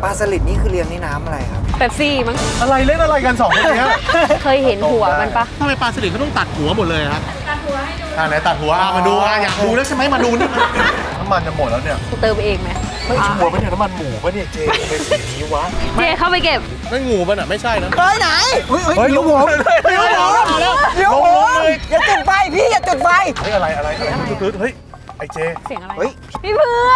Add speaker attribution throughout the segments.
Speaker 1: ปลาสลิดนี่คือเลี้ยงในน้ำอะไรครับ
Speaker 2: เป๊ปซี่มั้ง
Speaker 3: อะไรเล่นอะไรกัน2คนเนี้ย
Speaker 2: เคยเห็นหัวมันปะ
Speaker 3: ทำไมปลาสลิดเขาต้องตัดหัวหมดเลยครับตัดหัวให้ดูไหนตัดหัวมาดูอยากดูแล้วใช่ไหมมาดูนี่น้ำมันจะหมดแล้วเนี่ย
Speaker 2: เติมเองไหม
Speaker 3: ไม่ชัวร์ปะเนี่ยน้ำมันหมูปะเนี่ยเจเป็นสีนี้วะ
Speaker 2: เจเข้าไปเก็บ
Speaker 3: ไม่งูปะน่ะไม่ใช่นะ
Speaker 1: เฮ้ยไหนเฮ้ยเดี๋ยวผมเดี๋ยวผมเดี๋ยวผมอย่าจุดไฟพี่อย่าจุดไฟ
Speaker 3: เฮ้ยอะไรตื้อเฮ้ยไอเจ
Speaker 2: เสียงอะไร
Speaker 1: เฮ้ย
Speaker 2: พี่เพื่อน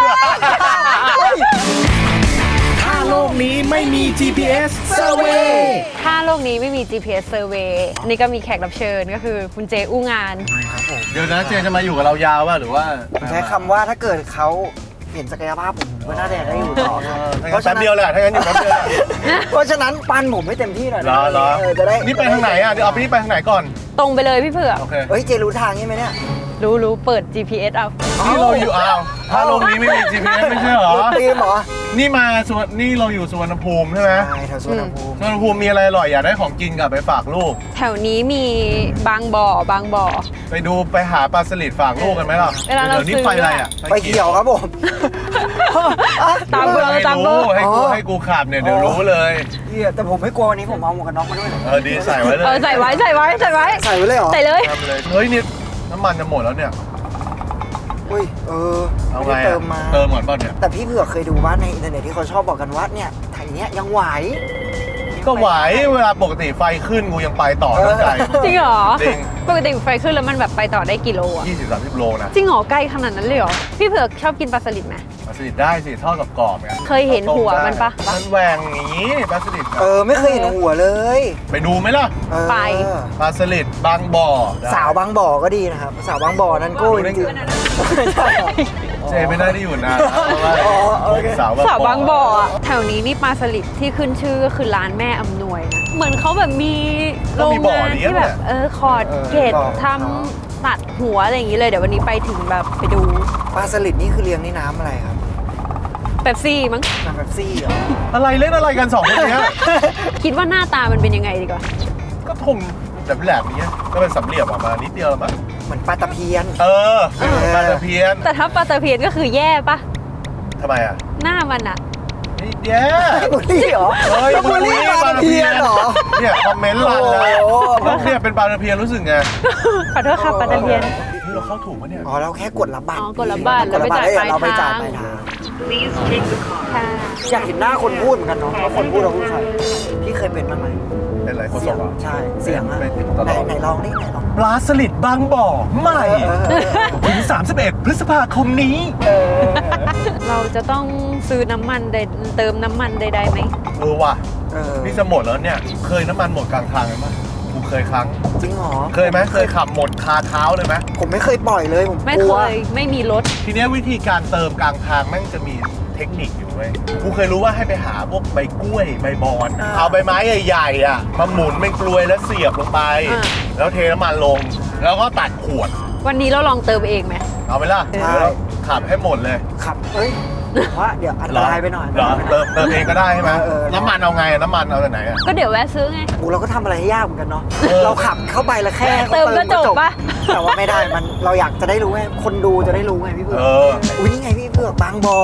Speaker 3: ถ้าโลกนี้ไม่มี GPS Survey
Speaker 2: ถ้าโลกนี้ไม่มี GPS Survey นี่ก็มีแขกรับเชิญก็คือคุณเจอู้งาน
Speaker 3: เดี๋ยวนะเจจะมาอยู่กับเรายาวป่ะหรือว่า
Speaker 1: ผมใช้คำว่าถ้าเกิดเขาเห็นศักยภาพผมก็น่าจะได้อยู่ต่อครับ
Speaker 3: เพราะแป๊บเดียวแหละถ้างั้นอยู่แป๊บเดียว
Speaker 1: เพราะฉะนั้นปันผมไม่เต็มที่หน่อยนะ
Speaker 3: เหรอ
Speaker 1: จะได้
Speaker 3: นี่ไปทางไหนอ่ะเดี๋ยวเอาไปนี่ไปทางไหนก่อน
Speaker 2: ตรงไปเลยพี่เผือก
Speaker 3: โอเค
Speaker 1: เฮ้ยเจรู้ทางใช่ไหมเนี่ย
Speaker 2: รู้เปิด GPS เอา
Speaker 3: นี่เราอยู่ถ้าโลกนี้ไม่มี GPS ไม่ใช่เหรอ
Speaker 1: ตีมเหรอ
Speaker 3: นี่เราอยู่สุวรรณภูมิใช่ไหม
Speaker 1: ใช่แถวสวนภูมิ
Speaker 3: สุวรรณภูมิมีอะไรอร่อยอยากได้ของกินกลับไปฝากลูก
Speaker 2: แถวนี้มีบางบ่อ
Speaker 3: ไปหาปลาสลิดฝากลูกกันไหมล่ะ
Speaker 2: เวลาเรา
Speaker 3: ดี๋ยวนี้
Speaker 2: ซื้อ
Speaker 3: ไฟอะไรอ่ะ
Speaker 1: ไปเขียวครับผม
Speaker 2: ตามเบอร์
Speaker 3: ให้
Speaker 2: ตามเบอ
Speaker 3: รู้
Speaker 2: ร์
Speaker 3: ให้กูขับเนี่ยเดี๋ยวรู้เลย
Speaker 1: เหี้ยแต่ผมไม่กลัววันนี้ผมเอาหมวกกันน็อกมาด้วย
Speaker 3: ดีใส่ไว้เลย
Speaker 2: ใส่ไว้
Speaker 1: ใส่ไว้เลยเหรอ
Speaker 2: ใส่เลย
Speaker 3: ทำเลยเฮ้ยนี่น้ำมันจะหมดแล้วเนี่ย
Speaker 1: อุ้ย
Speaker 3: เอา
Speaker 1: ไม่
Speaker 3: ไง
Speaker 1: ได้เติมมา
Speaker 3: เติมก่อนป่ะเนี่ย
Speaker 1: แต่พี่เผือกเคยดูว่าในอินเทอร์เน็ตที่เขาชอบบอกกันว่าเนี่ยถ่ายเนี้ยยังไหว
Speaker 3: ก็ไหวเวลาปกติไฟขึ้นกูยังไปต่อตั้งใจ
Speaker 2: จริงเหรอ
Speaker 3: จริง
Speaker 2: ปกติไฟขึ้นแล้วมันแบบไปต่อได้กี่โลอะ
Speaker 3: 20-30 โลนะ
Speaker 2: จริงเหรอใกล้ขนาดนั้นเลยเหรอ พี่เผือกชอบกินปลาสลิดไหม
Speaker 3: ปลาสลิดได้สิทอดกับกรอบไง
Speaker 2: เคยเห็นหัวมันปะ
Speaker 3: มันแหวงอย่างนี้ปลาสลิด
Speaker 1: ไม่เคยเห็นหัวเลย
Speaker 3: ไปดูไหมล่ะ
Speaker 2: ไป
Speaker 3: ปลาสลิดบางบ่อ
Speaker 1: สาวบางบ่อก็ดีนะครับสาวบางบ่อนั้นโก้จริงๆ
Speaker 3: เจไม่ได้อยู่นานนะเพราะว่า
Speaker 1: โอเค
Speaker 3: สาว
Speaker 2: สาวบางบ่ออะแถวนี้นี่ปลาสลิดที่ขึ้นชื่อก็คือร้านแม่อำนวยนะเหมือนเขาแบบมีโรงงานที่แบบขอดเกตทำตัดหัวอะไรอย่างนี้เลยเดี๋ยววันนี้ไปถึงแบบไปดู
Speaker 1: ปลาสลิดนี่คือเลี้ยงในน้ำอะไรครับ
Speaker 2: เป๊ปซี่มั้ง
Speaker 1: น้ำเป๊ปซี่เหรอ
Speaker 3: อะไรเล่นอะไรกัน2คนเนี้ย
Speaker 2: คิดว่าหน้าตามันเป็นยังไงดีกว่า
Speaker 3: ก็ทงแบบแหลมๆเนี้ยก็เป็นสำเหลี่ยมออกมานิดเดียวมั้ง
Speaker 1: เหมือนปลาตะเพียน
Speaker 3: ปลาตะเพียน
Speaker 2: แต่ถ้าปลาตะเพียนก็คือแย่ปะ
Speaker 3: ทำไมอ่ะ
Speaker 2: หน้ามันอะ
Speaker 3: นี่แย่
Speaker 1: บุรีเหรอ
Speaker 3: เฮ้ย
Speaker 1: บุรีปลาตะเพียนเหรอ
Speaker 3: เนี่ยคอมเมนต์ลันเลย
Speaker 1: โอ้โห
Speaker 3: แล้วเนี่ยเป็นปลาตะเพียนรู้สึกไง
Speaker 2: ขอโทษค่ะปลาตะเพียน
Speaker 3: นี่เราเข้าถูกปะเนี่ย
Speaker 1: อ๋อเราแค่กดรับบัตร
Speaker 2: กดรับบัตรแล้วไปจ่ายปลาย
Speaker 1: เราไปจ่าย
Speaker 2: ทาง
Speaker 1: ปลายทาง
Speaker 2: ค่ะ
Speaker 1: อยากเห็นหน้าคนพูดเหมือนกันเนาะว่าคนพูดเราพูดใครพี่เคยเป็นบ้างไหม
Speaker 3: เป็นไรโคศ
Speaker 1: เสียง
Speaker 3: กอ่ะ
Speaker 1: ใช่เสียงอะ
Speaker 3: เป็นตล
Speaker 1: ไหน
Speaker 3: อด
Speaker 1: ไหนลองนี่ไหนลอง
Speaker 3: ปลาสลิดบางบ่อใหม่ถึง 31 พฤษภาคมนี้
Speaker 2: เราจะต้องซื้อน้ำมันเติมน้ำมันใดๆไหม
Speaker 3: ว่ะ
Speaker 1: เออ
Speaker 3: นี่จะหมดแล้วเนี่ย เคยน้ำมันหมดกลางทางไหมมั้ยกูเคยครั้ง
Speaker 1: จริงเหรอ
Speaker 3: เคยไหมเคยขับหมดคาเท้าเลยไหม
Speaker 1: ผมไม่เคยปล่อยเลยผม
Speaker 2: ไม่
Speaker 1: กลั
Speaker 2: เคว ยไม่มีรถ
Speaker 3: ทีเนี้ยวิธีการเติมกลางทางแม่งจะมีเทคนิคอยู่เว้ยกูเคยรู้ว่าให้ไปหาพวกใบกล้วยใบบอนเอาใบไม้ใหญ่ๆอ่ะมาหมุนเป็นกลวยแล้วเสียบลงไป แล้วเทน้ำมันลง แล้วก็ตัดขวด
Speaker 2: วันนี้เราลองเติมเองไหม
Speaker 3: เอาไปล่ะเดี๋ยวเราขับให้หมดเลย
Speaker 1: ขับเอ้ยผมว่าเดี๋ยวอันตรายไปหน่อย
Speaker 3: เหรอเติมเองก็ได้ใช่ไหม
Speaker 1: เออ
Speaker 3: น้ำมันเอาไงน้ำมันเอาจากไหนอ่ะ
Speaker 2: ก็เดี๋ยวแวะซื้อไง
Speaker 1: โอ้เราก็ทำอะไรให้ยากเหมือนกันเนาะ
Speaker 3: เออ
Speaker 1: เราขับเข้าไปแล้วแค่
Speaker 2: เติมก็จบปะ
Speaker 1: แต่ว่าไม่ได้มันเราอยากจะได้รู้ไงคนดูจะได้รู้ไงพี่เผือก อุ้ยนี่ไงพี่เผือกบางบอ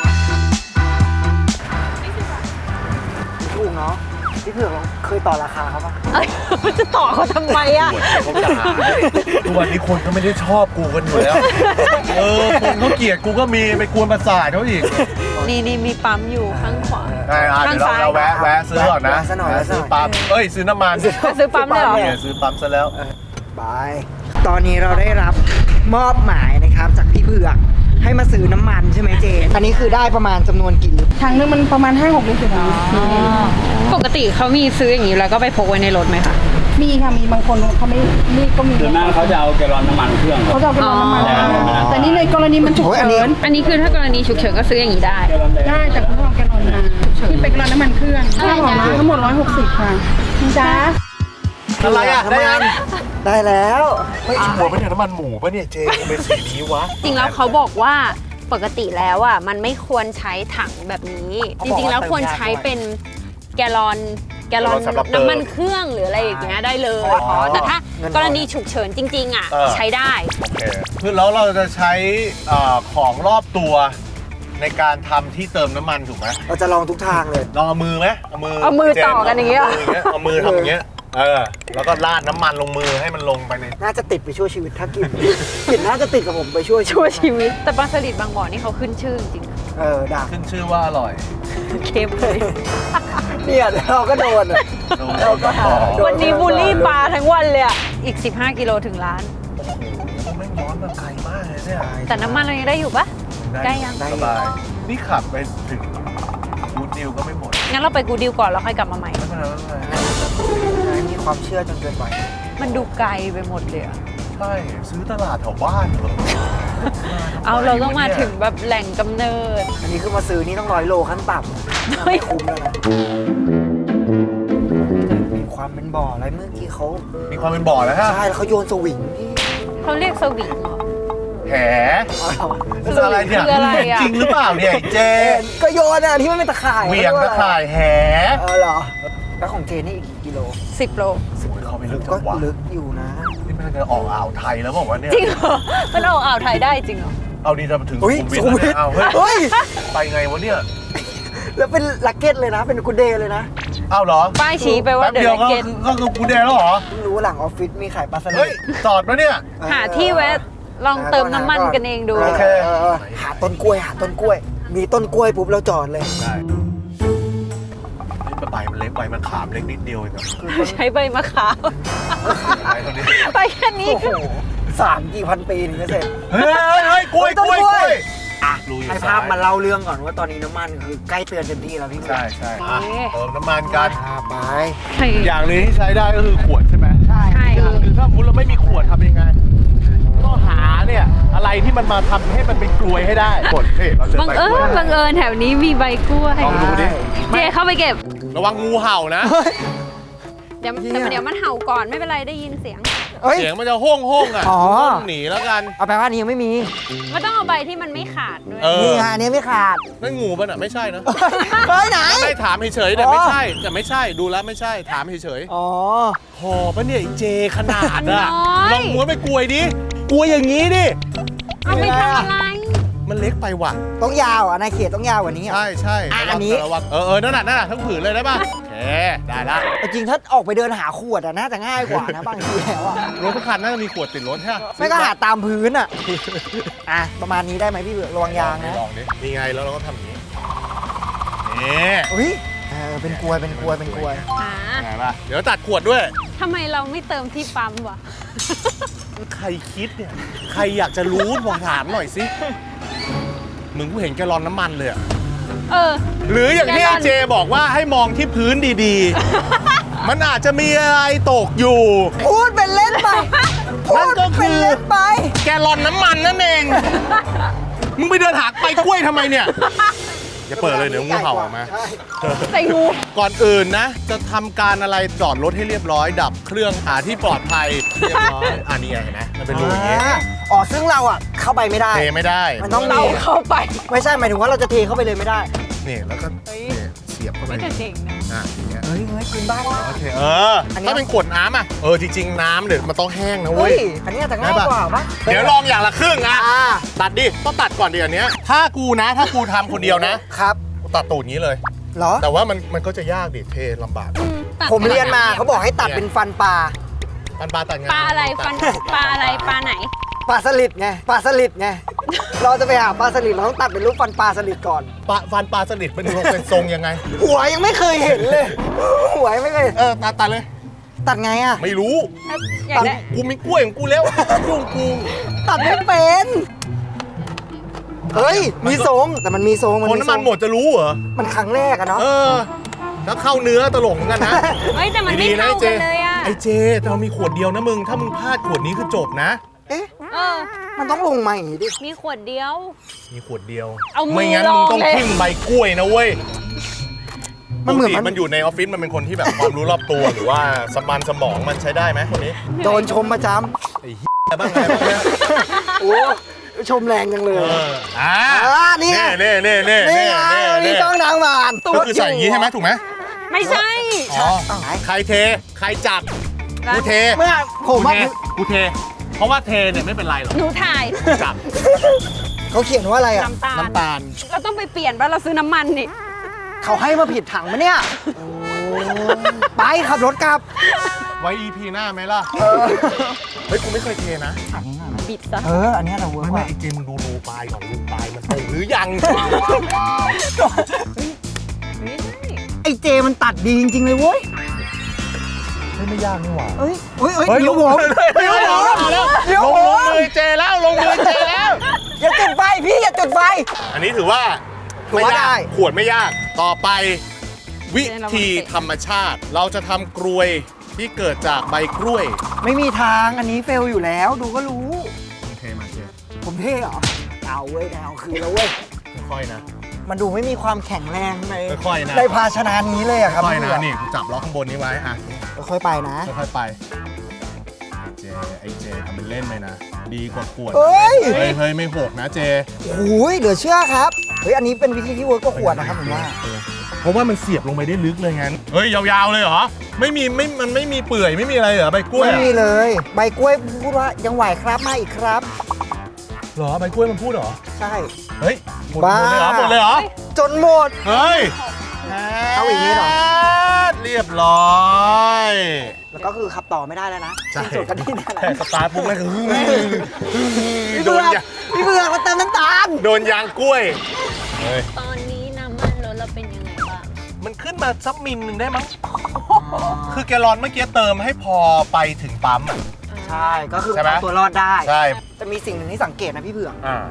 Speaker 1: ถูกเนาะพี่เผือกเราเคยต่อราคาเขาปะ
Speaker 2: เอ้ยจะต่อเขาทำไมอะ
Speaker 3: เขาจะหาทุกวันนี้คนก็ไม่ได้ชอบกูกันอยู่แล้ว คนเขาเกลียดกูก็มีไปกวนประสาทเขาอีก
Speaker 2: นี่มีปั๊มอยู่ข้างขวา
Speaker 3: เดี๋ยวเราแวะซื้อก่อนนะ
Speaker 1: ซะหน่อย
Speaker 3: ซื้อปั๊มซื้อน้ำมัน
Speaker 2: ซื้อปั๊มเลยเหรอ
Speaker 3: เนี่ยซื้อปั๊มซะแล้ว
Speaker 1: ไปตอนนี้เราได้รับมอบหมายนะครับจากพี่เผือกให้มาซื้อน้ำมันใช่ไหมเจนอันนี้คือได้ประมาณจำนวนกี่ลิตร
Speaker 4: ถังนึงมันประมาณ 5-6 ลิตรอยู่นะ
Speaker 2: ปกติเขามีซื้ออย่างนี้แล้วก็ไปพกไว้ในรถไหมคะ
Speaker 4: มีค่ะ มีบางคนเขาไม่นี่ก็มี
Speaker 5: ส่วนมากเขาจะเอาแกลลอนน้ำมันเครื่องครั
Speaker 4: เขา
Speaker 5: บ
Speaker 4: จะเอาไปลงน้ำมัน
Speaker 5: อ๋อ
Speaker 4: แต่นี่ในกรณีมันฉุกเฉิน
Speaker 2: อันนี้คือถ้ากรณีฉุกเฉินก็ซื้ออย่างนี้ได้
Speaker 5: แกลลอนแดง
Speaker 4: ได้แต่คุณต้องเอาแกลลอนมาที่เป็นแกลลอนน้ำมันเครื่องค่าหอมาทั้งหมด 160 ค่ะจ้า
Speaker 3: อะไรอ่ะได้ยัง
Speaker 1: ได้แล้ว
Speaker 3: ไม่ชัวร์ปะเนี่ยน้ำมันหมูปะเนี่ยเจเป็นสีนี้วะ
Speaker 2: จริงแล้วเขาบอกว่าปกติแล้วอ่ะมันไม่ควรใช้ถังแบบนี้ จริงๆแล้วควรใช้เป็นแกลลอนน้ำมันเครื่องหรืออะไรอย่างเงี้ยได้เลยแต่ถ้ากรณีฉุกเฉินจริงๆอ่ะใช้ได้
Speaker 3: โอเคคือแล้วเราจะใช้ของรอบตัวในการทำที่เติมน้ำมันถูกไหม
Speaker 1: เราจะลองทุกทางเลย
Speaker 3: ลองเอามือไหมเอามือ
Speaker 2: เอามือต่อกันอย่างเงี้ย
Speaker 3: เอามือทำอย่างเงี้ยแล้วก็ราดน้ำมันลงมือให้มันลงไปใน
Speaker 1: น่าจะติดไปชั่วชีวิตถ้ากิน กลิ่นน่าจะติดกับผมไปชั่ว
Speaker 2: ชั่วชีวิต แต่ปลาสลิดบางบ่อนี่เขาขึ้นชื่อจริง
Speaker 1: ด่า
Speaker 3: ขึ้นชื่อว่าอร่อย
Speaker 2: ๆเค็มเลย
Speaker 1: เนี่ยเราก็โดนอะ เราก็หา
Speaker 2: วันนี้บูลลี่ปลาทั้งวันเลยอ่ะ อีก 15 กิโลถึงร้าน
Speaker 3: โอ้โหแม่งย้อนมาไกลมากเลยเนี่ย
Speaker 2: แต่น้ำมันเรายังได้อยู่ปะ ใกล้ยัง
Speaker 3: สบายนี่ขับไปถึงกูดดิวก็ไม่หมด
Speaker 2: งั้นเราไปกูดิวก่อนแล้วค่อยกลับมาใหม่
Speaker 3: ไม่เป็นไรไม่เป็นไร
Speaker 1: มีความเชื่อจนเกินไป
Speaker 2: มันดูไกลไปหมดเลยอะ
Speaker 3: ใช่ซื้อตลาดแถวบ้านเหรอ
Speaker 2: เอาเราต้องมาถึงแบบแหล่งกำเนิด
Speaker 1: อันนี้คือมาซื้อนี่ต้อง100 โลขั้นต่ำไม่คุ้มแล้วนะมีความเป็นบ่ออะไรเมื่อกี้เขา
Speaker 3: มีความเป็นบ่อแล้วฮะ
Speaker 1: ใช่แล้วเขาโยนสวิงพี่
Speaker 2: เขาเรียกสวิงเหรอ
Speaker 3: แหมันอะไรเนี่ย
Speaker 2: คืออะไรอะ
Speaker 3: จริงหรือเปล่าเนี่ยไอ้เจ
Speaker 1: ก็โยนอ่ะที่มันเป็นตะข่าย
Speaker 3: เหวียงตะข่ายแห
Speaker 1: เหรอแล้วของเจนี่อีกกี่กิโล
Speaker 2: 10 โล
Speaker 3: เขาไปลึกจั
Speaker 1: ก็
Speaker 3: งหวะ
Speaker 1: ลึกอยู่นะ
Speaker 3: นี่มันจะออกอ่าวไทยแล้วบอกว่าวะเนี่ย
Speaker 2: จริงเหรอ มันออกอ่าวไทยได้จริงเหรอ
Speaker 3: เอาดีจะมาถึง
Speaker 1: เฮ้ย
Speaker 3: สุขุมวิทแล้วเนี่ยเอาเฮ้ย
Speaker 1: เฮ้ย
Speaker 3: ไปไงวะเนี่ย
Speaker 1: แล้วเป็นลักเก็ตเลยนะ เป็นกูเดย์เลยนะ
Speaker 3: เอาเหรอ
Speaker 2: ป้ายชี้ไปว่า
Speaker 3: แป๊บ
Speaker 2: เด
Speaker 3: เดียว
Speaker 2: อะเกต
Speaker 3: ก็คือกูแดงแล้วเหรอ
Speaker 1: เพิ่งรู้หลังออฟฟิศมีขายปลาสลิ
Speaker 3: เฮ้ย
Speaker 1: ด
Speaker 3: จอดปะเนี่ย
Speaker 2: หาที่แวะลองเติมน้ำมันกันเองดู
Speaker 3: โอเค
Speaker 1: หาต้นกล้วย หาต้นกล้วย มีต้นกล้วยปุ๊บเราจอดเลย
Speaker 3: ได้นี่ใบมันเล็กใบมันขามเล็กนิดเดียวเองครับ
Speaker 2: ใช้ใบมะขาม
Speaker 3: ใช่เท่านี้
Speaker 2: ไปแค่นี้
Speaker 1: โอ้โห3 กี่พันปีถึงจะเสร็จ
Speaker 3: เฮ้ยกล้วย
Speaker 1: ต้
Speaker 3: ก
Speaker 1: น
Speaker 3: ล้วย
Speaker 1: ก
Speaker 3: ก
Speaker 1: ล้
Speaker 3: ล้ว วย รูอยู่
Speaker 1: ให้
Speaker 3: ซ้า
Speaker 1: ภาพ
Speaker 3: ย
Speaker 1: มาเล่าเรื่องก่อนว่าตอนนี้น้ำมันคือใกล้เตือนเต็มที่แล้วพี่
Speaker 3: ใช่ใช่อ่ะเติมน้ำมันกัน
Speaker 1: ไป
Speaker 3: อย่างหนึงที่ใช้ได้ก็คือขวดใช่ไหม
Speaker 1: ใช่
Speaker 2: ใช่
Speaker 3: อย่างหนึงถ้าสมมุติเราไม่มีขวดทำยังไง ก็หาเนี่ยอะไรที่มันมาทำให้มันเป็นกลวยให้ได้กดเฮ้ยเราเจอ
Speaker 2: บัง
Speaker 3: ใบก
Speaker 2: เอิ
Speaker 3: ล้วย
Speaker 2: ญบังเอิญแถวนี้มีใบกล้วย
Speaker 3: ลองดูดิ
Speaker 2: เจเข้าไปเก็บ
Speaker 3: ระวังงูเห่านะ
Speaker 2: เดี๋ยวเดี๋ยวมันเห่าก่อนไม่เป็นไรได้ยินเสียง
Speaker 1: เฮ้ย
Speaker 3: เสียงมันจะห้องอ่ะ
Speaker 1: อ๋อ
Speaker 3: หนีแล้วกัน
Speaker 1: เอาไปว่านี้ยังไม่มี
Speaker 2: มันต้องเอาใบที่มันไม่ขาดด้วย
Speaker 3: เออ
Speaker 1: นี่ฮะอันนี้ไม่ขาด
Speaker 3: นั่นงูป่ะน่ะไม่ใช่นะ
Speaker 1: เฮ้ยไหน
Speaker 3: ไม่ถามเฉยๆแต่ไม่ใช่แต่ไม่ใช่ดูแล้วไม่ใช่ถามเฉย
Speaker 1: อ๋อ
Speaker 3: ๆพอปะเนี่ยไอ้เจขนาดอ่ะ
Speaker 2: น้อย
Speaker 3: ลองม้วนไปกลวยดิกลวยอย่างนี้ดิ
Speaker 2: เอาไปทำอะไร
Speaker 3: มันเล็กไปว่ะ
Speaker 1: ต้องยาวอ่ะนายเขตต้องยาวกว่านี้อ่ะ
Speaker 3: ใช่ใช่
Speaker 1: อ่ะ
Speaker 3: ระวัง
Speaker 1: อันนี้
Speaker 3: ระวังนั่นน่ะทั้งผืนเลยได้ป่ะโอเคได้ละ
Speaker 1: แต่จริงถ้าออกไปเดินหาขวดอ่ะน่าจะง่ายกว่านะบางทีแล้วอ่ะ
Speaker 3: รถทุกคันน่าจะมีขวดติดรถใช่ไหม
Speaker 1: ไม่ก็หาตามพื้นอ่ะ อ่ะประมาณนี้ได้ไหมพี่เบือกระวังยางนะ
Speaker 3: ลองดินี่ไงแล้วเราก็ทำอย่างนี้นี่
Speaker 1: อุ้ยเป็นกลวยเป็นกลวยเป็นกลวย
Speaker 2: อ่า
Speaker 3: ไงป่ะเดี๋ยวตัดขวดด้วย
Speaker 2: ทำไมเราไม่เติมที่ปั๊มวะ
Speaker 3: ใครคิดเนี่ยใครอยากจะรู้ผมถามหน่อยสิมึงกูเห็นแกลลอนน้ำมันเลยอะ
Speaker 2: เออ
Speaker 3: หรืออย่างที่
Speaker 2: แกลล
Speaker 3: ไอ้
Speaker 2: อน
Speaker 3: เจบอกว่าให้มองที่พื้นดีๆ มันอาจจะมีอะไรตกอยู่
Speaker 1: พูดเป็นเล่นไปพู
Speaker 3: นั่น
Speaker 1: ด
Speaker 3: ก็คือ
Speaker 1: เป็นเล่นไป
Speaker 3: แกลลอนน้ำมันนั่นเอง มึงไปเดินหาใบกล้วยทำไมเนี่ย อย่าเปิดเลยเดี๋ยวงูเห่าออกมา
Speaker 2: ใส่งู
Speaker 3: ก่อนอื่นนะ จะทำการอะไรจอดรถให้เรียบร้อย ดับเครื่องหาที่ปลอดภัยเรียบร้อยอันนี้ไงเห็นไหมมันเป็นรูอย่างงี้
Speaker 1: อ๋อซึ่งเราอ่ะเข้าไปไม่ได้
Speaker 3: เทไม่ได้
Speaker 1: มันต้อง
Speaker 2: เราเข้าไป
Speaker 1: ไม่ใช่หมายถึงว่าเราจะเทเข้าไปเลยไม่ได้
Speaker 3: นี่แล้วก็
Speaker 2: เฮ้ย
Speaker 3: เนี่ยเสียบเข้าไป
Speaker 2: ไม่จะเจ๋งนะ
Speaker 3: อย่างเงี้ย
Speaker 1: เฮ้ยคืนบ้านนะ
Speaker 3: โอเค
Speaker 1: อันนี้
Speaker 3: ถ้าเป็นขวดน้ำอ่ะจริงๆน้ำเนี่ยมันต้องแห้งนะเว้
Speaker 1: เฮ้
Speaker 3: ย
Speaker 1: ยอันนี้อาจจะง่ายกว่าปะ
Speaker 3: เดี๋ยวลองอย่างละครึ่งอ่ะ
Speaker 1: อ่า
Speaker 3: ตัดดิต้องตัดก่อนดิอันเนี้ยถ้ากูทำคนเดียวนะครับ ตัดตูดอย่างนี้เลย
Speaker 1: เหรอ
Speaker 3: แต่ว่ามันก็จะยากดิเทลำบาก
Speaker 2: ตัด
Speaker 1: ผมเรียนมาเขาบอกให้ตัดเป็นฟันปลา
Speaker 3: ปันปลาตัดไง
Speaker 2: ปลาอะไรฟันปลาอะไรปลาไหน
Speaker 1: ปลาสลิดไงปลาสลิดไงเราจะไปหาปลาสลิดเราต้องตัดเป็นรูปฟันปลาสลิดก่อน
Speaker 3: ฟันปลาสลิดมันเป็นทรงยังไง
Speaker 1: หัวยังไม่เคยเห็นเลย หัวยังไม่เคย
Speaker 3: ตัดเลย
Speaker 1: ตัดไงอ่ะ
Speaker 3: ไม่รู้
Speaker 2: อยากได้
Speaker 3: กูมีกล้วยของกูแล้วยุ่งกู
Speaker 1: ตัดไม่เป็นเฮ้ยมีทรงแต่มันมีทรง
Speaker 3: คนน้ำมันหมดจะรู้เหรอ
Speaker 1: มันครั้งแรกอะเนาะ
Speaker 3: ถ้าเข้าเนื้อตลกเหมือนกันนะ
Speaker 2: เฮ้ยแต่มันไม่
Speaker 3: ดีๆะ
Speaker 2: เท่า
Speaker 3: ไอ้เจ
Speaker 2: กันเลยอ่ะ
Speaker 3: ไอ้เจเรามีขวดเดียวนะมึง ถ้ามึงพลาดขวดนี้คือจบนะ
Speaker 1: เอ๊ะ
Speaker 2: เออ
Speaker 1: มันต้องลงมาอย่างงี้ดิ
Speaker 2: มีขวดเดียว
Speaker 3: มีขวดเดียว
Speaker 2: เอามือ
Speaker 3: ไม่งั้น
Speaker 2: ลอง
Speaker 3: มึงต้อง
Speaker 2: เลย
Speaker 3: พึ่งใบกล้วยนะเว้ย
Speaker 1: มันเหมือน
Speaker 3: ปกติมันอยู่ในออฟฟิศมันเป็นคนที่แบบความรู้รอบตัวหรือว่าสมองมันใช้ได้ไหมคนนี้
Speaker 1: โดนชมประจ
Speaker 3: ไอ้เหี้ยบ้างไงบ้างเนี่ย
Speaker 1: ำโอ้ชมแรงจังเลย นี่ไง
Speaker 3: เน่
Speaker 1: นี่ไงมีกล้องนางมาน
Speaker 3: ก็คือใส่อย่างนี้ใช่ไหมถูกไหม
Speaker 2: ไม่ใช่
Speaker 3: อ๋อ
Speaker 1: ต้องไหน
Speaker 3: ใครเท ใครจับ กูเท
Speaker 1: เมื่อผม
Speaker 3: กู
Speaker 1: ว่า
Speaker 3: เทกูเท เพราะว่าเทเนี่ยไม่เป็นไรหรอก
Speaker 2: หนูถ่าย
Speaker 3: จับ
Speaker 1: เขาเขียนว่าอะไรอ่ะ
Speaker 2: น้ำตาล
Speaker 3: น้ำตาล
Speaker 2: เราต้องไปเปลี่ยนป่ะเราซื้อน้ำมันนี่
Speaker 1: เขาให้มาผิดถังมะเนี่ยไปขับรถกลับ
Speaker 3: ไว้ EP หน้าไหมล่ะ เฮ้ย กูไม่เคยเทนะ
Speaker 2: บิดซะ
Speaker 1: อันนี้เราเวิร์ก
Speaker 3: ไม่
Speaker 1: ว่า
Speaker 3: ไอเจมึงดูรูปลายก่อนรูปลายมันเต็มหรือยัง
Speaker 1: ไอ้เจมันตัดดีจริงๆเลยเว้ย
Speaker 3: ไม่ยากนี่หว่า
Speaker 1: เฮ้ยเดี๋ยวผมเดี๋ยวผมเดี๋ยว
Speaker 3: ลง
Speaker 1: ผม
Speaker 3: มือเจแล้วลงมือเจแล้ว
Speaker 1: อย่าจุดไฟพี่อย่าจุดไฟ
Speaker 3: อันนี้ถือว่า
Speaker 1: ถือว่าได้
Speaker 3: ขวดไม่ยาก ต่อไปวิธีธรรมชาติ เราจะทำกลวยที่เกิดจากใบกล้วย
Speaker 1: ไม่มีทางอันนี้เฟลอยู่แล้วดูก็รู้
Speaker 3: เทมาเจ
Speaker 1: ผมเท่เหรอเอาเว้ยเอาคือแล้วเว้ย
Speaker 3: ค่อยๆนะ
Speaker 1: มันดูไม่มีความแข็งแรงใน
Speaker 3: ค่อยๆนะ
Speaker 1: ในภาชนะนี้เลยอะครับ
Speaker 3: ค่อยๆนะ
Speaker 1: พี่
Speaker 3: นี่กูจับล็อกข้างบนนี้ไว้อ่ะ
Speaker 1: ค่อยๆไปนะ
Speaker 3: ค่อยๆไปไอเจทำเป็นเล่นไปนะ ดีกว่าขวด
Speaker 1: เฮ้ย
Speaker 3: เฮ้ยไม่หกนะเจ
Speaker 1: โอ้ยเหลือเชื่อครับเฮ้ยอันนี้เป็นวิธีที่เวิร์กก็ขวดนะครับผมว่า
Speaker 3: เพราะว่ามันเสียบลงไปได้ลึกเลยงั้น เฮ้ยยาวๆเลยเหรอ มันไม่มีเปื่อยไม่มีอะไรเหรอใบกล้วย
Speaker 1: ไม่
Speaker 3: อะ
Speaker 1: มีเลยใบกล้วยพูดว่ายังไหวครับมาอีกครับ
Speaker 3: เหรอใบกล้วยมันพูดเหรอ
Speaker 1: ใช่
Speaker 3: เฮ้ยหมด
Speaker 1: บ้า
Speaker 3: เลยเหรอหมดเลยเหรอ
Speaker 1: จนหมด
Speaker 3: เฮ้ย
Speaker 1: เอาอย่างนี้เหรอ
Speaker 3: เรียบร้อย
Speaker 1: แล้วก็คือขับต่อไม่ได้แล้วนะ
Speaker 3: ใช่
Speaker 1: สิ้นสุดกันที่นี่แหละ
Speaker 3: แต่สตาร์ทปุ๊บแม่งคือ
Speaker 1: พี่
Speaker 3: โด
Speaker 1: เบื
Speaker 3: น
Speaker 1: อก
Speaker 3: ยาง
Speaker 1: พี่เบือกมาเติมน้ำตาล
Speaker 3: โดนยางกล้วย เฮ้ย
Speaker 2: ตอนนี้น้ำมันรถเราเป็นยังไงบ้าง
Speaker 3: มันขึ้นมาสักมิลหนึ่งได้มั้ง คือแกลลอนเมื่อกี้เติมให้พอไปถึงปั๊มอ่ะ
Speaker 1: ใช่ก็คือ
Speaker 3: ใช่ไหม
Speaker 1: เอาตัวรอดได้
Speaker 3: ใช่
Speaker 1: แต่มีสิ่งหนึ่งที่สังเกตนะพี่เบือก
Speaker 3: อ่าก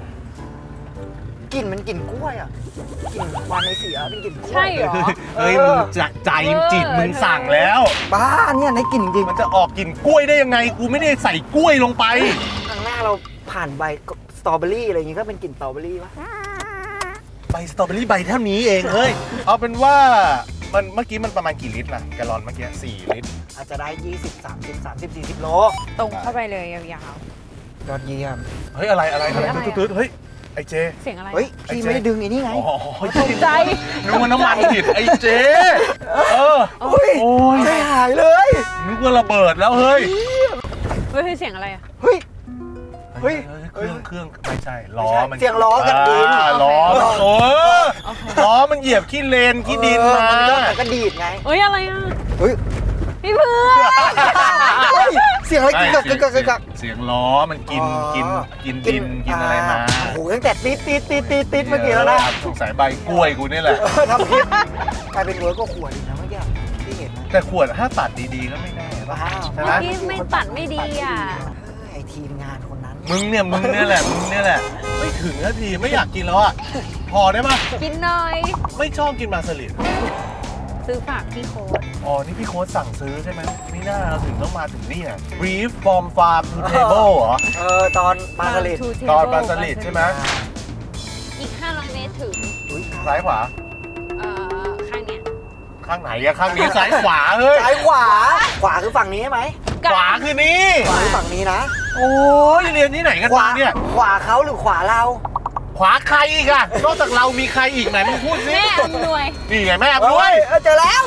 Speaker 1: ลิ่นมันกลิ่นกล้วยอ่ะกลิ่นควันในเสียเป็นกลิ่นกล้วย
Speaker 2: ใช่เหรอ
Speaker 3: เฮ้ยมึงจะใจจิตมึงสั่งแล้ว
Speaker 1: บ้าเนี่ยในกลิ่นจริง
Speaker 3: มันจะออกกลิ่นกล้วยได้ยังไง กูไม่ได้ใส่กล้วยลงไป
Speaker 1: ข้างหน้าเราผ่านใบสตรอเบอรี่อะไรอย่างงี้ก็เป็นกลิ่นสตรอเบอรี่ปะ
Speaker 3: ใบสตรอเบอรี่ใบเท่านี้เองเฮ้ย เอาเป็นว่ามันเมื่อกี้มันประมาณกี่ลิตรล่ะแกลลอนเมื่อกี้4 ลิตร
Speaker 1: อาจจะได้ 20 30 30 40 โล
Speaker 2: ตรงเข้าไปเลยยาว
Speaker 1: ยอดเยี่ยม
Speaker 3: เฮ้ยอะไรตืดๆเฮ้ยไอเจ
Speaker 2: ๆ เสียงอะไร
Speaker 1: เฮ้ยพี่ไม่ได้ดึงไอ้นี่ไง
Speaker 3: อ๋อ
Speaker 2: ตกใจ
Speaker 3: นึกว่าน้ำมันผิดไอเจโอ้ย
Speaker 1: ใจหายเลย
Speaker 3: นึกว่าระเบิดแล้วเฮ้ย
Speaker 2: เฮ้ยเสียงอะไรอ่ะ
Speaker 1: เฮ้ย
Speaker 3: เครื่องไม่ใช่ล้อมัน
Speaker 1: เสียงล้อกันดิน
Speaker 3: ล้อ
Speaker 2: โอเค
Speaker 3: ล้อมันเหยียบขี้เลนขี้ดินมา
Speaker 1: มันก็ดีดไง
Speaker 2: เฮ้ยอะไรอ่ะ
Speaker 1: เฮ้ย
Speaker 2: พี่เพื่อน
Speaker 1: เฮ้ยเสียงอะไรกึกกักกึกกักกึกกัก
Speaker 3: เสียงล้อมันกินดินกินอะไรมา
Speaker 1: โอ้โหตั้งแต่ติดเมื่อกี้แล้วนะ
Speaker 3: สงสัยใบกล้วยกูนี่แหละ
Speaker 1: ทำคลิปกลายเป็นเวิร์กก็ขวดอีกนะเมื่อกี้ที่เห็นนะ
Speaker 3: แต่ขวดถ้าตัดดีๆก็ไม่แน่ป่ะ
Speaker 1: ว้าว
Speaker 3: ใช่ไหม
Speaker 2: เมื่อกี้ไม่ตัดไม่ดีอ่ะ
Speaker 1: ไอทีมงานคนนั้น
Speaker 3: มึงเนี่ยแหละไม่ถึงนาทีไม่อยากกินแล้วอ่ะพอได้ปะ
Speaker 2: กินหน่อย
Speaker 3: ไม่ชอบกินมาสลิด
Speaker 2: ซื้อฝากพี่โค้ด
Speaker 3: อ๋อนี่พี่โค้ดสั่งซื้อใช่ไหมไม่น่าเราถึงต้องมาถึงนี่อ่ะ brief from farm to table เหรอ
Speaker 1: ตอนปลาสลิด
Speaker 3: ตอนปลาสลิดใช่ไหม
Speaker 2: อีก 500 เมตรถึง
Speaker 3: ซ้ายขวา
Speaker 2: ข้างเนี้ย
Speaker 3: ข้างไหนอะข้างนี้ซ้ายขวาเฮ้ย
Speaker 1: ซ้ายขวาคือฝั่งนี้ใช่ไหม
Speaker 3: ขวาคือนี่
Speaker 1: ขวาคือฝั่งนี้นะ
Speaker 3: โอ้ยเรียนที่ไหนกัน
Speaker 1: ขวา
Speaker 3: มาเนี่ย
Speaker 1: ขวาเขาหรือขวาเรา
Speaker 3: ขวาใครอีกอะนอกจากเรามีใครอีกไหนมึงพูดสิ
Speaker 2: แม่อำนวย
Speaker 3: นี่ไงแม่ด้วย
Speaker 1: เจอแล้ว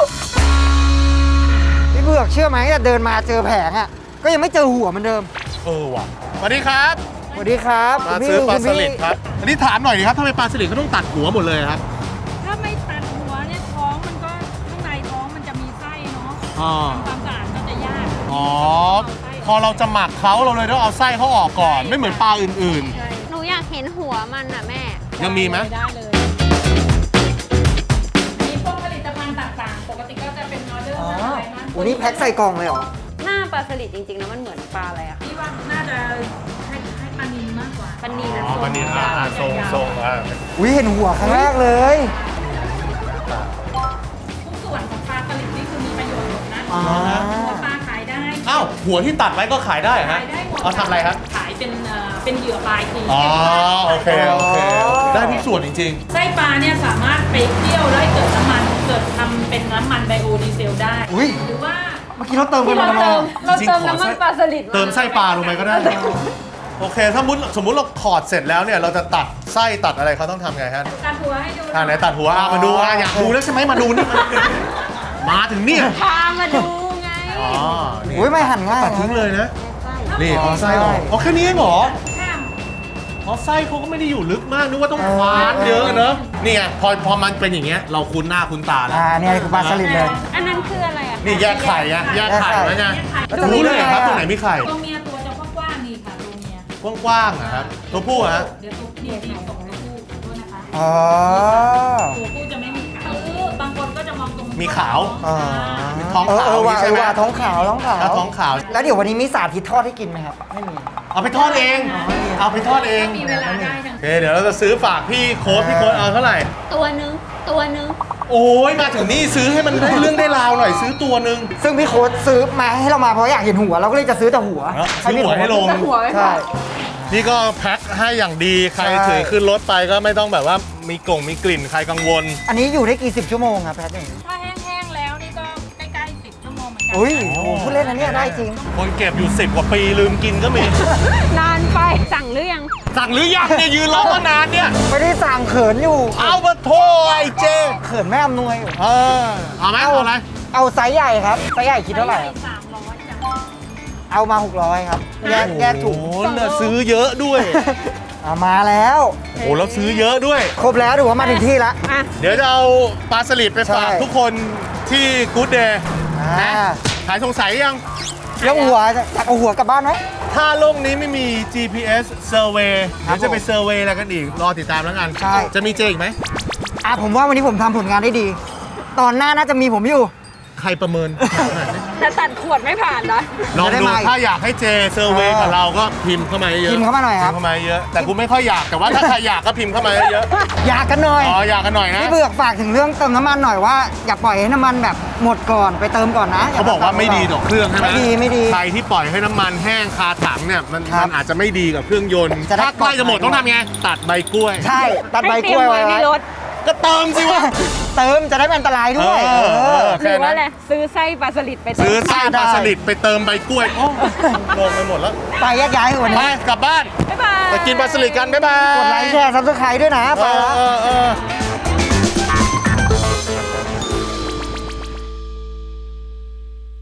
Speaker 1: พี่เบือกเชื่อไหมแต่เดินมาเจอแผงอ่ะก็ยังไม่เจอหัวเหมือนเดิม
Speaker 3: ว่ะสวัสดีครับ
Speaker 1: สวัสดีครับ
Speaker 3: มาซื้อปลาสลิดครับอันนี้ถามหน่อยดิครับทำไมปลาสลิดเขาต้องตัดหัวหมดเลยครับ
Speaker 4: ถ้าไม่ตัดหัวเนี่ยท้องมันก็ข้างในท้องมันจะมีไส้เนาะ
Speaker 3: อ๋อ
Speaker 4: ทำความสะอาดก็จะยาก
Speaker 3: อ๋อพอเราจะหมักเขาเราเลยต้องเอาไส้เขาออกก่อน ไม่เหมือนปลาอื่น
Speaker 4: ใช่
Speaker 2: หนูอยากเห็นหัวมันอ่ะแม่
Speaker 3: ๆ ยังมีไหม
Speaker 4: ได้เลย มีพวกผลิตภัณฑ์ต่างๆ ปกติก็จะเป็นออเดอร์อะไรนะ
Speaker 1: วันนี้แพ็คใส่กล่องเลยเหรอ
Speaker 2: หน้าปลาสลิดจริงๆแล้วมันเหมือนปลาอะไรอ่ะ
Speaker 4: พี่ว่าน่าจะให้ปลานิลมากกว่า
Speaker 2: ปลานิล
Speaker 3: อ๋อปลานิลทรงอ่ะ
Speaker 1: อุ้ยเห็นหัวครั้งแรกเลย
Speaker 4: ทุกส่วนของปลาสลิดนี่คือมีประโยชน์หมดนะ
Speaker 1: อ๋อ
Speaker 4: หัวปลาขายได้
Speaker 3: อ้าวหัวที่ตัดไว้ก็ขายได้ฮะ
Speaker 4: ขายได้หมด
Speaker 3: เอาทำอะไรครับ
Speaker 4: ขายเป็นเหยื่อปลายที
Speaker 3: อ๋อโอเคได้ทุกส่วนจริง
Speaker 4: ไส้ปลาเนี่ยสามารถไปเคี่ยวแล้วให้เกิดน้ำมันเกิดทำเป็นน้ำมันไบโอดีเซลได้
Speaker 1: อุ้ย
Speaker 4: หรือว่า
Speaker 1: เมื่อกี้เราเติมกัน
Speaker 2: ที่
Speaker 1: มา
Speaker 2: เรา
Speaker 1: ทำไม
Speaker 2: เติม
Speaker 1: อะ
Speaker 2: เราเติมน้ำมันปลาสลิด
Speaker 3: ๆ เติมไส้ปลาลงไปก็ได้ โอเคถ้าสมมุติเราถอดเสร็จแล้วเนี่ยเราจะตัดไส้ตัดอะไรเขาต้องทำไงฮะ
Speaker 4: ตัดหัวให้ดู
Speaker 3: ไหนตัดหัวมาดูอยากดูแล้วใช่ไหมมาดูนี่มาถึงเนี่ย
Speaker 2: พามาดูไง
Speaker 3: อ๋อนี่
Speaker 1: อุ้ยไม่หั่นง่าย
Speaker 3: ตัดทิ้งเลยนะ
Speaker 2: ไส้
Speaker 3: นี่เอาไส้ออกอ๋อแค่นี้เองเหรอ
Speaker 4: ข้าม
Speaker 3: อ๋อเขาไส้เขาก็ไม่ได้อยู่ลึกมากนึกว่าต้องควานเยอะเนอะนี่ไงพอมันเป็นอย่างเงี้ยเราคุ้นหน้าคุ้นตาแล้ว
Speaker 1: เนี่ยคือปลาสลิดเลย
Speaker 2: อันนั้นคืออะไรอ่ะ
Speaker 3: นี่แยกไข่อะแยกไข่แล้วไง
Speaker 1: แล้วจะรู้
Speaker 3: รู้เลย
Speaker 1: ได้ไง
Speaker 3: ครับ
Speaker 1: อะ
Speaker 3: ตรงไหนมีไข่
Speaker 6: ตัวเมียตัวจะกว้างๆนี่ค่ะตัวเมีย
Speaker 3: กว้างๆอะครับตัวผู้อะฮะ
Speaker 6: เดี๋ยวตัวนี่ส่งตัวผู้ด้วยนะคะ
Speaker 1: อ๋อ
Speaker 6: ตัวผู้จะไม่มีขาวบางคนก็จะมองตรง
Speaker 3: มีขาว
Speaker 1: อ๋อ
Speaker 3: มีท้องขาว
Speaker 1: ว่า
Speaker 3: ใช่ไหม
Speaker 1: ว่าท้องขาว
Speaker 3: แล้วท้องขาว
Speaker 1: แล้วเดี๋ยววันนี้มีสาธิตทอดให้กินไหมครับ ไม่มี
Speaker 3: เอาไปทอดเอง เอาไปทอดเอง
Speaker 6: มีเวลาได้ทั้ง
Speaker 3: โอเคเดี๋ยวเราจะซื้อฝากพี่โค้ดเอาเท่าไหร่
Speaker 2: ตัวนึง
Speaker 3: โอ้ยมาถึงนี่ซื้อให้มันได้เรื่องได้ราวหน่อยซื้อตัวหนึ่ง
Speaker 1: ซึ่งพี่โค้ดซื้อมาให้เรามาเพราะอยากเห็นหัว เราก็เลยจะซื้อแต่หัว
Speaker 3: ซื้อหัวให้ลง
Speaker 1: ใช่
Speaker 3: นี่ก็แพ็คให้อย่างดีใคร
Speaker 1: ใช่
Speaker 3: ถือขึ้นรถไปก็ไม่ต้องแบบว่ามีกลิ่นใครกังวล
Speaker 1: อันนี้อยู่ได้กี่สิบชั่วโมงครับแพทย์อย่างนี้
Speaker 6: ถ้าแห้งๆแล้วนี่ก็ใกล้ๆ10 ชั่วโมงเหมือนกั
Speaker 1: อุ้ยโอ้โหพูดเล่นนะเนี่ยได้จริง
Speaker 3: คนเก็บอยู่10 กว่าปีลืมกินก็มี
Speaker 2: นานไป สั่งหรือยัง
Speaker 3: สั่งหรือยังเนี่ยยืนรอมานานเนี่ย
Speaker 1: ไม่ได้สั่งเขินอยู่
Speaker 3: เอามาโทษไอ้เจ
Speaker 1: เขินแม่อำนวยอยู่
Speaker 3: เอาไหมเอาอะไร
Speaker 1: เอาไซส์ใหญ่ครับ ไซส์ใหญ่คิดเท่าไหร่ครับ
Speaker 6: 300จ้ะ
Speaker 1: เอามา600ครับ แยกถุง
Speaker 3: โอ้โหเนี่ยซื้อเยอะด้วย
Speaker 1: เอามาแล้ว
Speaker 3: โอ้โหแล้วซื้อเยอะด้วย
Speaker 1: ครบแล้วถือว่ามาถึงที่แล้ว
Speaker 2: อ่ะ
Speaker 3: เดี๋ยวจะเอาปลาสลิดไปฝาก
Speaker 1: ใช่
Speaker 3: ทุกคนที่กู๊ดเดย์
Speaker 1: อ่า
Speaker 3: หายสงสัยยัง
Speaker 1: แล้วหัวจะเอาหัวกลับบ้านไหม
Speaker 3: ถ้าโลกนี้ไม่มี GPS survey
Speaker 1: ครั
Speaker 3: เดี๋
Speaker 1: บ
Speaker 3: ยวจะไปเซอร์เวย์อะไรกันอีก รอติดตามแล้วกัน
Speaker 1: ใช่
Speaker 3: จะมีเจอีกไหม
Speaker 1: ผมว่าวันนี้ผมทำผลงานได้ดี ตอนหน้าน่าจะมีผมอยู่
Speaker 3: ใครประเมิน
Speaker 2: แต่ตัดขวดไม่ผ่านนะ
Speaker 3: ลอง
Speaker 1: จะได้
Speaker 3: ดู
Speaker 1: มาอีก
Speaker 3: ถ้าอยากให้เจเซอร์เวย์กับเราก็พิมพ์เข้ามาเยอะ
Speaker 1: พิมพ์เข้ามาหน่อยครับ
Speaker 3: พิมพ์เข้ามาเยอะ แต่กูไม่ค่อยอยากแต่ว่าถ้าใครอยากก็พิมพ์เข้ามาเยอะ
Speaker 1: อยากกันหน่อย
Speaker 3: อ๋ออยากกันหน่อยนะ
Speaker 1: พี่เบือกฝากถึงเรื่องเติมน้ำมันหน่อยว่าอย่าปล่อยให้น้ำมันแบบหมดก่อนไปเติมก่อนนะ
Speaker 3: เขาบอกว่าไม่ดีต่อเครื่องใช่ไหม
Speaker 1: ไม่ดี
Speaker 3: ใครที่ปล่อยให้น้ำมันแห้งคาถังเนี่ยมัน
Speaker 1: ครับ
Speaker 3: อาจจะไม่ดีกับเครื่องยนต์
Speaker 1: จะได้
Speaker 3: ถ้าใกล้จะหมดต้องทำไงตัดใบกล้วย
Speaker 1: ใช่ตัดใบ
Speaker 2: ให้
Speaker 1: ก
Speaker 2: เตรีย
Speaker 1: ล้
Speaker 2: ม
Speaker 1: วย
Speaker 2: ไว้
Speaker 1: ไว้
Speaker 2: ในรถ
Speaker 3: ก็เติมสิวะ
Speaker 1: เติมจะได้ไม่อันตรายด้วย
Speaker 3: เออ
Speaker 2: หรือว่าอะไรซื้อไส้ปลาสลิดไป
Speaker 3: ซื้อไส้
Speaker 1: ได้
Speaker 3: ปลาสลิดไปเติมใบกล้วยโอ้งงไปหมดแล้ว
Speaker 1: ไปแยกย้ายเถอะวัน
Speaker 3: ไป
Speaker 1: นี้
Speaker 3: กลับบ้าน
Speaker 2: บ๊ายบาย
Speaker 3: ไปกินปลาสลิดกันบ๊ายบาย
Speaker 1: กดไลค์แชร์ซับสไครต์ด้วยนะไปแล้ว
Speaker 3: เออ